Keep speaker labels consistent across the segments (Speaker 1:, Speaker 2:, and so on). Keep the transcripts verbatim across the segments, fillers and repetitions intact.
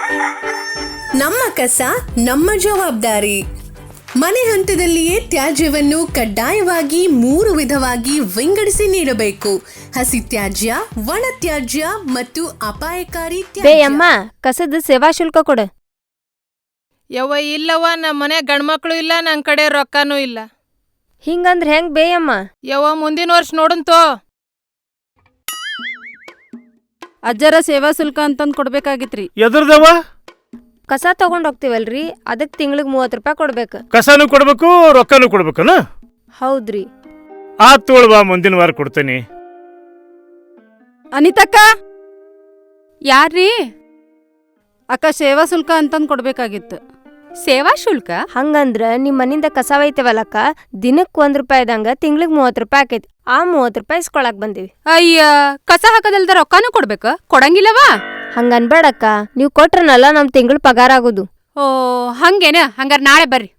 Speaker 1: ನಮ್ಮ ಕಸ ನಮ್ಮ ಜವಾಬ್ದಾರಿ. ಮನೆ ಹಂತದಲ್ಲಿಯೇ ತ್ಯಾಜ್ಯವನ್ನು ಕಡ್ಡಾಯವಾಗಿ ಮೂರು ವಿಧವಾಗಿ ವಿಂಗಡಿಸಿ ನೀಡಬೇಕು. ಹಸಿ ತ್ಯಾಜ್ಯ, ಒಣ ತ್ಯಾಜ್ಯ ಮತ್ತು ಅಪಾಯಕಾರಿ
Speaker 2: ಬೇಯಮ್ಮ ಕಸದ ಸೇವಾ ಶುಲ್ಕ ಕೊಡು.
Speaker 3: ಯವ್ವ ಇಲ್ಲವ್ವ, ನಮ್ಮ ಮನೆ ಗಂಡ್ಮಕ್ಳು ಇಲ್ಲ, ನನ್ ಕಡೆ ರೊಕ್ಕನೂ ಇಲ್ಲ.
Speaker 2: ಹಿಂಗಂದ್ರ ಹೆಂಗ್ ಬೇಯಮ್ಮ?
Speaker 3: ಯವ್ವ ಮುಂದಿನ ವರ್ಷ ನೋಡಂತೋ.
Speaker 4: ಅಜ್ಜರ ಸೇವಾ ಶುಲ್ಕ ಅಂತಂದ್ ಕೊಡ್ಬೇಕಾಗಿತ್ರಿ.
Speaker 5: ಎದ್ರದವ?
Speaker 2: ಕಸ ತಗೊಂಡ್ ಹೋಗ್ತಿವಲ್ರಿ, ಅದಕ್ ತಿಂಗ್ಳಿಗ್ ಮೂವತ್ ರೂಪಾಯಿ ಕೊಡ್ಬೇಕು.
Speaker 5: ಕಸನೂ ಕೊಡ್ಬೇಕು, ರೊಕ್ಕನೂ ಕೊಡ್ಬೇಕನ?
Speaker 2: ಹೌದ್ರಿ.
Speaker 5: ಆ ತೋಳ್ವಾ, ಮುಂದಿನ ವಾರ ಕೊಡ್ತೇನೆ.
Speaker 4: ಅನಿತಕ್ಕ, ಯಾರ್ರೀ? ಅಕ್ಕ ಸೇವಾ ಶುಲ್ಕ ಅಂತಂದ್ ಕೊಡ್ಬೇಕಾಗಿತ್ತು.
Speaker 3: ಸೇವಾ ಶುಲ್ಕ?
Speaker 2: ಹಂಗಂದ್ರ ನಿಮ್ ಮನಿಂದ ಕಸ ಒಯ್ತೇವಲ್ಲಕ್ಕ, ದಿನಕ್ ಒಂದ್ ರೂಪಾಯಿದಂಗ ತಿಂಗ್ಳಿಗ್ ಮೂವತ್ ರೂಪಾಯಿ ಆಕೈತಿ. ಆ ಮೂವತ್ ರೂಪಾಯಿ ಇಸ್ಕೊಳಕ್ ಬಂದಿವಿ.
Speaker 3: ಅಯ್ಯ, ಕಸ ಹಾಕದಲ್ದ ರೊಕ್ಕನೂ ಕೊಡ್ಬೇಕ? ಕೊಡಂಗಿಲ್ಲವಾ?
Speaker 2: ಹಂಗನ್ಬೇಡಕ್ಕ, ನೀವ್ ಕೊಟ್ರನಲ್ಲ ನಮ್ ತಿಂಗಳ ಪಗಾರ ಆಗುದು.
Speaker 3: ಓ ಹಂಗೇನ? ಹಂಗಾರ ನಾಳೆ ಬರ್ರಿ.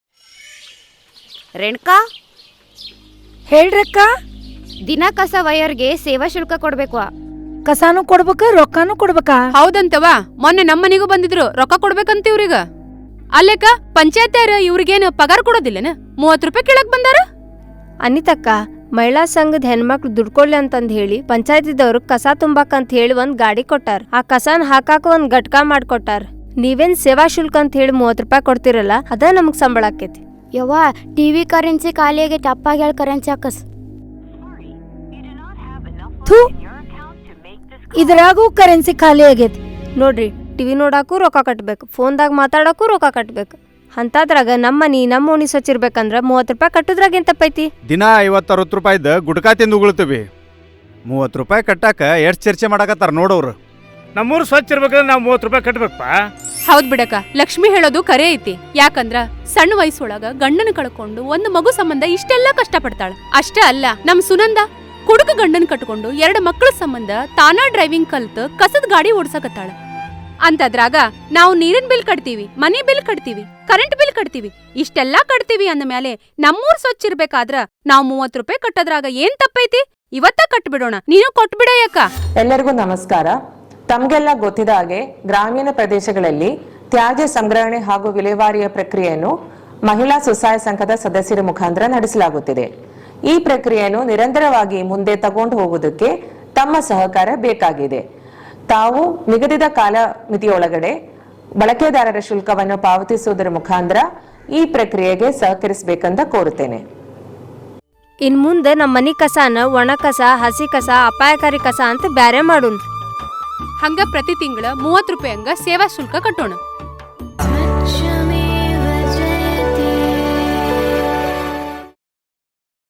Speaker 6: ರೇಣುಕಾ,
Speaker 7: ಹೇಳ್ರಕ್ಕ.
Speaker 6: ದಿನ ಕಸ ಒಯ್ಯೋರ್ಗೆ ಸೇವಾ ಶುಲ್ಕ ಕೊಡ್ಬೇಕು.
Speaker 7: ಕಸಾನು ಕೊಡ್ಬೇಕ, ರೊಕ್ಕಾನು ಕೊಡ್ಬೇಕಾ?
Speaker 3: ಹೌದಂತವ, ಮೊನ್ನೆ ನಮ್ಮನಿಗೂ ಬಂದಿದ್ರು, ರೊಕ್ಕ ಕೊಡ್ಬೇಕಂತ ಇವ್ರಿಗ. ಅಲ್ಲೇಕ ಪಂಚಾಯತ್ಯಾರ ಇವ್ರಿಗೇನು ಪಗಾರ ಕೊಡೋದಿಲ್ಲನ? ಮೂವತ್ ರೂಪಾಯಿ ಕೇಳಕ್ ಬಂದಾರ.
Speaker 2: ಅನಿತಕ್ಕ, ಮಹಿಳಾ ಸಂಘದ ಹೆಣ್ಮಕ್ಳು ದುಡ್ಕೊಳ್ಲಿ ಅಂತಂದ್ ಹೇಳಿ ಪಂಚಾಯತಿದವ್ರು ಕಸ ತುಂಬಾಕ್ ಅಂತ ಹೇಳಿ ಒಂದ್ ಗಾಡಿ ಕೊಟ್ಟಾರ. ಆ ಕಸಾನ್ ಹಾಕಾಕ ಒಂದ್ ಘಟ್ಕ ಮಾಡ್ಕೊಟ್ಟಾರ. ನೀವೇನ್ ಸೇವಾ ಶುಲ್ಕ ಅಂತ ಹೇಳಿ ಮೂವತ್ ರೂಪಾಯಿ ಕೊಡ್ತಿರಲ್ಲ, ಅದ ನಮಗ್ ಸಂಬಳ ಆಕೇತಿ.
Speaker 6: ಯವ್ವ, ಟಿವಿ ಕರೆನ್ಸಿ ಖಾಲಿ ಆಗೈತಿ, ಅಪ್ಪಾಗ ಹೇಳಿ ಕರೆನ್ಸಿ ಹಾಕಸ್.
Speaker 7: ಥೂ, ಇದ್ರಾಗೂ ಕರೆನ್ಸಿ ಖಾಲಿ ಆಗೈತಿ.
Speaker 2: ನೋಡ್ರಿ, ಟಿವಿ ನೋಡಾಕು ರೊಕ್ಕ ಕಟ್ಬೇಕು, ಫೋನ್ದಾಗ ಮಾತಾಡಕ್ಕೂ ರೊಕ್ಕ ಕಟ್ಬೇಕು. ಅಂತದ್ರಾಗ ನಮ್ಮನಿ ನಮ್ಮ ಓಣಿ ಸ್ವಚ್ಛಿರ್ಬೇಕಂದ್ರ ಮೂವತ್ ರೂಪಾಯಿ ಕಟ್ಟುದ್ರಾಗ ಏನ್ ತಪ್ಪೈತಿ?
Speaker 8: ದಿನ ಐವತ್ತು ಅರವತ್ತು ರೂಪಾಯಿದ ಗುಡ್ಕಾ ತಿಂದು ಉಗುಳ್ತೀವಿ. ಮೂವತ್ತು ರೂಪಾಯಿ ಕಟ್ಟಾಕ ಎಷ್ಟು ಚರ್ಚೆ ಮಾಡಕತ್ತಾರ ನೋಡೋರು.
Speaker 5: ನಮ್ಮೂರು ಸ್ವಚ್ಛ ಇರ್ಬೇಕಂದ್ರೆ ನಾವು ಮೂವತ್ತು ರೂಪಾಯಿ ಕಟ್ಬೇಕಪ್ಪ.
Speaker 3: ಹೌದ್ ಬಿಡಕ, ಲಕ್ಷ್ಮಿ ಹೇಳೋದು ಕರೆ ಐತಿ. ಯಾಕಂದ್ರ ಸಣ್ಣ ವಯಸ್ಸೊಳಗ ಗಂಡನ ಕಳ್ಕೊಂಡು ಒಂದು ಮಗು ಸಂಬಂಧ ಇಷ್ಟೆಲ್ಲ ಕಷ್ಟ ಪಡ್ತಾಳ. ಅಷ್ಟ ಅಲ್ಲ, ನಮ್ ಸುನಂದ ಕುಡುಕ ಗಂಡನ್ ಕಟ್ಕೊಂಡು ಎರಡು ಮಕ್ಕಳ ಸಂಬಂಧ ತಾನಾ ಡ್ರೈವಿಂಗ್ ಕಲ್ತ್ ಕಸದ ಗಾಡಿ ಓಡ್ಸಕತ್ತಾಳ. ಅಂತದ್ರಾಗ ನಾವು ನೀರಿನ ಬಿಲ್ ಕಟ್ತೀವಿ, ಮನಿ ಬಿಲ್ ಕಟ್ತೀವಿ, ಕರೆಂಟ್ ಬಿಲ್ ಕಟ್ತೀವಿ, ಇಷ್ಟೆಲ್ಲಾ ಕಟ್ತೀವಿ ಅಂದ ಮೇಲೆ ನಮ್ಮೂರ್ ಸ್ವಚ್ಛ ಇರ್ಬೇಕಾದ್ರ ನಾವ್ ಮೂವತ್ ರೂಪಾಯಿ ಕಟ್ಟೋದ್ರಾಗ ಏನ್ ತಪ್ಪೈತಿ? ಇವತ್ತ ಕಟ್ಬಿಡೋಣ, ನೀನು ಕೊಟ್ಬಿಡ ಯಾಕ.
Speaker 9: ಎಲ್ಲರಿಗೂ ನಮಸ್ಕಾರ. ತಮ್ಗೆಲ್ಲ ಗೊತ್ತಿದ ಹಾಗೆ ಗ್ರಾಮೀಣ ಪ್ರದೇಶಗಳಲ್ಲಿ ತ್ಯಾಜ್ಯ ಸಂಗ್ರಹಣೆ ಹಾಗೂ ವಿಲೇವಾರಿಯ ಪ್ರಕ್ರಿಯೆಯನ್ನು ಮಹಿಳಾ ಸ್ವಸಹಾಯ ಸಂಘದ ಸದಸ್ಯರ ಮುಖಾಂತರ ನಡೆಸಲಾಗುತ್ತಿದೆ. ಈ ಪ್ರಕ್ರಿಯೆಯನ್ನು ನಿರಂತರವಾಗಿ ಮುಂದೆ ತಗೊಂಡು ಹೋಗುವುದಕ್ಕೆ ತಮ್ಮ ಸಹಕಾರ ಬೇಕಾಗಿದೆ. ತಾವು ನಿಗದಿತ ಕಾಲಮಿತಿಯೊಳಗಡೆ ಬಳಕೆದಾರರ ಶುಲ್ಕವನ್ನು ಪಾವತಿಸುವುದರ ಮುಖಾಂತರ ಈ ಪ್ರಕ್ರಿಯೆಗೆ ಸಹಕರಿಸಬೇಕಂತ ಕೋರುತ್ತೇನೆ.
Speaker 2: ಇನ್ ಮುಂದೆ ನಮ್ಮ ಮನಿ ಕಸಾನ ಒಣ ಕಸ, ಹಸಿ ಕಸ, ಅಪಾಯಕಾರಿ ಕಸ ಅಂತ ಬ್ಯಾರೆ ಮಾಡೋಣ.
Speaker 3: ಹಂಗ ಪ್ರತಿ ತಿಂಗಳ ಮೂವತ್ ರೂಪಾಯಿ ಹಂಗ ಸೇವಾ ಶುಲ್ಕ ಕಟ್ಟೋಣ.